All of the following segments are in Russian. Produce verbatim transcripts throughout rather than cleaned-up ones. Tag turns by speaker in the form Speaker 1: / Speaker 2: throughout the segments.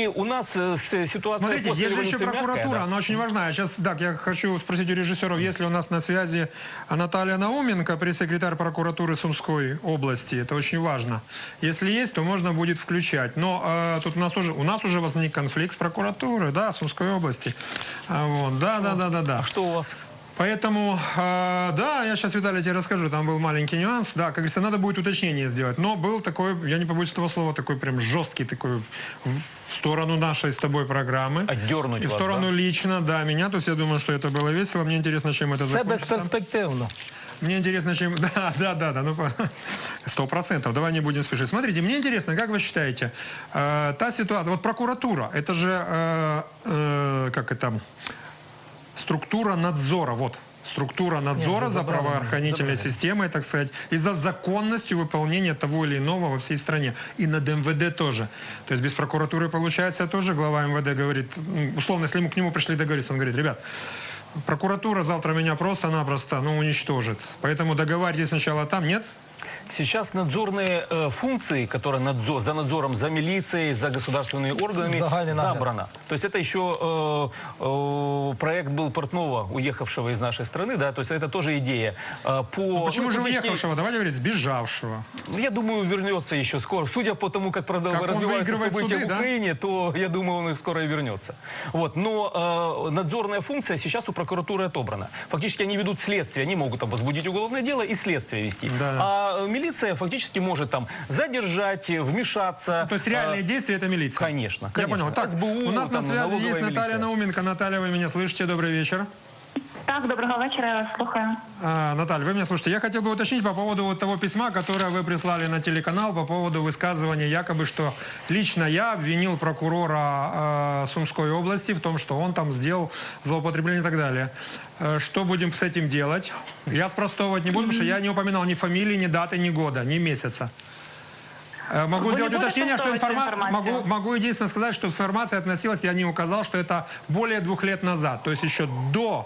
Speaker 1: И у нас э, ситуация...
Speaker 2: Смотрите,
Speaker 1: после
Speaker 2: есть же еще
Speaker 1: революции
Speaker 2: прокуратура,
Speaker 1: мягкая, да.
Speaker 2: она очень важна. Сейчас, так, я хочу спросить у режиссеров, есть ли у нас на связи Наталья Науменко, пресс-секретарь прокуратуры Сумской области. Это очень важно. Если есть, то можно будет включать. Но э, тут у нас уже, у нас уже возник конфликт с прокуратурой, да, Сумской области. А, вот, да, да, да, да, да.
Speaker 1: А что у вас?
Speaker 2: Поэтому, э, да, я сейчас, Виталий, тебе расскажу, там был маленький нюанс. Да, как говорится, надо будет уточнение сделать. Но был такой, я не побоюсь этого слова, такой прям жесткий такой в сторону нашей с тобой программы.
Speaker 1: Отдернуть
Speaker 2: И в
Speaker 1: вас,
Speaker 2: сторону
Speaker 1: да?
Speaker 2: лично, да, меня. То есть я думаю, что это было весело. Мне интересно, чем это
Speaker 3: Це
Speaker 2: закончится.
Speaker 3: безперспективно.
Speaker 2: Мне интересно, чем... Да, да, да, да, ну, сто процентов. Давай не будем спешить. Смотрите, мне интересно, как вы считаете, э, та ситуация... Вот прокуратура, это же, э, э, как это... Структура надзора, вот, структура надзора за правоохранительной системой, так сказать, и за законностью выполнения того или иного во всей стране. И над эм вэ дэ тоже. То есть без прокуратуры, получается, тоже глава эм вэ дэ говорит, условно, если ему к нему пришли договориться, он говорит, ребят, прокуратура завтра меня просто-напросто, ну, уничтожит. Поэтому договаривайтесь сначала там, нет?
Speaker 1: Сейчас надзорные э, функции, которые надзор, за надзором за милицией, за государственными органами, забрано. То есть это еще э, э, проект был Портнова, уехавшего из нашей страны, да, то есть это тоже идея. Э, по,
Speaker 2: ну, почему
Speaker 1: ну,
Speaker 2: же
Speaker 1: публичней...
Speaker 2: уехавшего? Давайте говорить, сбежавшего.
Speaker 1: Я думаю, вернется еще скоро. Судя по тому, как, как развиваются события суды, в Украине, да? То я думаю, он скоро и вернется. Вот. Но э, надзорная функция сейчас у прокуратуры отобрана. Фактически они ведут следствие, они могут там возбудить уголовное дело и следствие вести.
Speaker 2: Да.
Speaker 1: А милиция фактически может там задержать, вмешаться.
Speaker 2: Ну, то есть реальные а, действия это милиция?
Speaker 1: Конечно,
Speaker 2: Я
Speaker 1: конечно.
Speaker 2: понял. Так,
Speaker 1: СБУ,
Speaker 2: у нас
Speaker 1: там,
Speaker 2: на связи есть Наталья
Speaker 1: милиция.
Speaker 2: Науменко. Наталья, вы меня слышите? Добрый вечер.
Speaker 4: Так, доброго вечера, я вас слухаю.
Speaker 2: А, Наталья, вы меня слушаете. Я хотел бы уточнить по поводу вот того письма, которое вы прислали на телеканал по поводу высказывания якобы, что лично я обвинил прокурора э, Сумской области в том, что он там сделал злоупотребление и так далее. Э, что будем с этим делать? Я спростовывать не буду, потому что я не упоминал ни фамилии, ни даты, ни года, ни месяца. Э, могу
Speaker 4: Вы
Speaker 2: сделать уточнение, что информа... могу, могу единственно сказать, что информация относилась, я не указал, что это более двух лет назад, то есть еще до...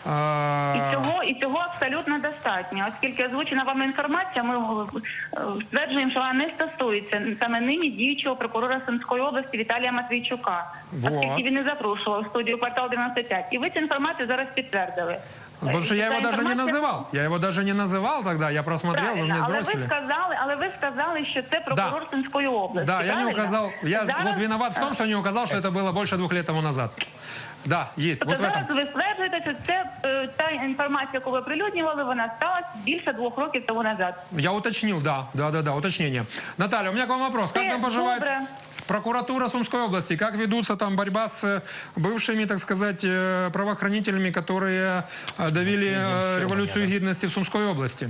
Speaker 4: І цього, і цього абсолютно достатньо, оскільки озвучена вам інформація, ми стверджуємо, що вона не стосується саме нині діючого прокурора Сумської області Віталія Матвійчука, вот. Оскільки він не запрошував в студію «Квартал дев'яносто п'ять». І ви цю інформацію зараз підтвердили.
Speaker 2: Потому что я его даже не называл. Я его даже не называл тогда, я просмотрел, вы мне сбросили.
Speaker 4: Але ви сказали, але ви сказали, що це прокурор да. Сумської області.
Speaker 2: Да, я не указал, я
Speaker 4: зараз...
Speaker 2: вот виноват в том, что не указал, что это было больше двух лет тому назад. Да, есть.
Speaker 4: Тобто
Speaker 2: вот в
Speaker 4: зараз
Speaker 2: этом.
Speaker 4: ви стверджуєте, що це е, та інформація, яку ви оприлюднювали, вона сталася більше двох років тому назад.
Speaker 2: Я уточнил, да, да, да, да, уточнение. Наталья, у меня к вам вопрос. Как там поживает
Speaker 4: добре.
Speaker 2: прокуратура Сумской области? Как ведутся там борьба с бывшими, так сказать, правоохранителями, которые давили революцию гідності в Сумской области?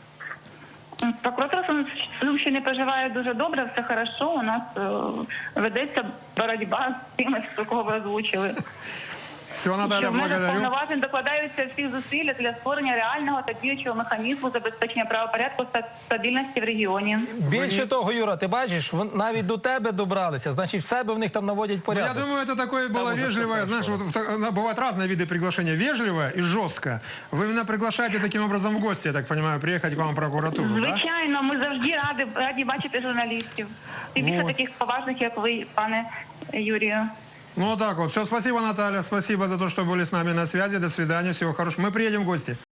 Speaker 4: Прокуратура Сумщини проживає дуже добре, все хорошо. У нас е, ведеться боротьба з тими, кого ви озвучили.
Speaker 2: Все, Наталья, благодарю.
Speaker 4: Повноважень докладаються всі зусилля для створення реального та діючого механізму забезпечення правопорядку та стабільності в регіоні.
Speaker 3: Більше того, Юра, ти бачиш, навіть до тебе добралися, значить в себе в них там наводять порядок.
Speaker 2: Ну, я думаю, это такое было вежливое, знаешь, вот, бывают разные виды приглашения, вежливое и жесткое. Вы меня приглашаете таким образом в гости, я так понимаю, приехать к вам в прокуратуру,
Speaker 4: Звичайно,
Speaker 2: да?
Speaker 4: ми завжди раді, раді бачити журналістів. Тим більше
Speaker 2: вот.
Speaker 4: таких поважних, як ви, пане Юрію.
Speaker 2: Ну вот так вот. Все, спасибо, Наталья, спасибо за то, что были с нами на связи. До свидания, всего хорошего. Мы приедем в гости.